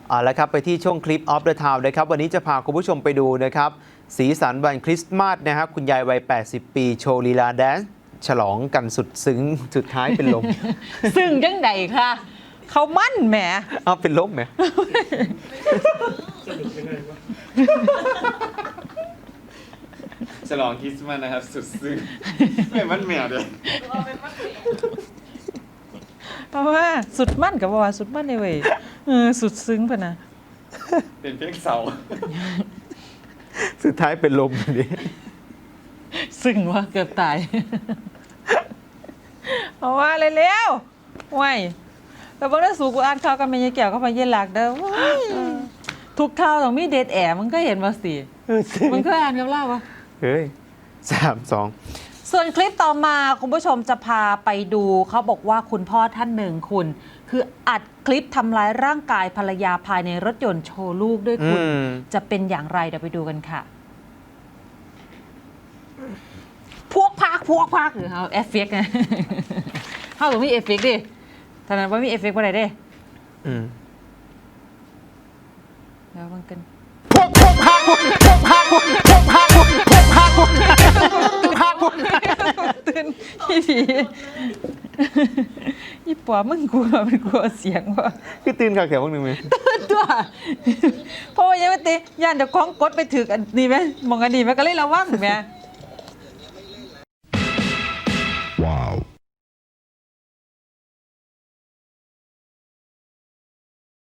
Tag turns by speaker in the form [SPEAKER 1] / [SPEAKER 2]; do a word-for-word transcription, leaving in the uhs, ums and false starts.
[SPEAKER 1] เอาละครับไปที่ช่วงคลิปออฟเดอะทาวน์นะครับวันนี้จะพาคุณผู้ชมไปดูนะครับสีสันวันคริสต์มาสนะครับคุณยายวัยแปดสิบปีโชว์ลีลาแดนซ์ฉลองกันสุดซึ้งสุดท้ายเป็นลม
[SPEAKER 2] ซึ่งจังใดค่ะเขามั่นแหม
[SPEAKER 1] เอาเป็นลมไหม
[SPEAKER 3] ฉลองคริสต์มาสนะครับสุดซึ้งไม่มันแมวเลย
[SPEAKER 2] เพราะว่าสุดมั่นกับว่าสุดมั่นในเว้ยเออสุดซึ้งพะนะ
[SPEAKER 3] เป็นเพลงเสา
[SPEAKER 1] สุดท้ายเป็นลมดิ
[SPEAKER 2] ซึ้งว่าเกือบตาย เพราะว่าเร็วๆว้ายแต่บางเรื่องสูกูอ่านข่าวกันไม่ยายแก้วก็ไปเย็นหลักเด้อว้ายทุกข่าวต้องมีเดทแอร์มันก็เห็นว่าสิมันก็อ่านกับเล่าวะ
[SPEAKER 1] เฮ้ยสามสอง
[SPEAKER 2] ส่วนคลิปต่อมาคุณผู้ชมจะพาไปดูเขาบอกว่าคุณพ่อท่านหนึ่งคุณ คืออัดคลิปทำร้ายร่างกายภรรยาภายในรถยนต์โชว์ลูกด้วยคุณจะเป็นอย่างไรเดี๋ยวไปดูกันค่ะ พวกพักพวกพักหรือเขาเอฟเฟกต์ไง เขาต้องมีเอฟเฟกต์ดิท่านั้นว่ามีเอฟเฟกต์ว่าอะไรดิ
[SPEAKER 1] อืม
[SPEAKER 2] แล้วมันกัน
[SPEAKER 1] พวกพวกพาพวกพวกพาพวกพวกพาพวกพวกพาพวกพาพวก
[SPEAKER 2] ตื่นยี่ผียี่ปัวมึงกลัวเป็นกลัวเสียงว่ะ
[SPEAKER 1] คือตื่นข่าวเขียวพวกหนึ่งไหม
[SPEAKER 2] ตัวเพราะว่ายังไม่ตีย่านเดี๋ยวคล้องกดไปถึกอันนี้ไหมมองอันนี้ไหมก็เลยระวังไหม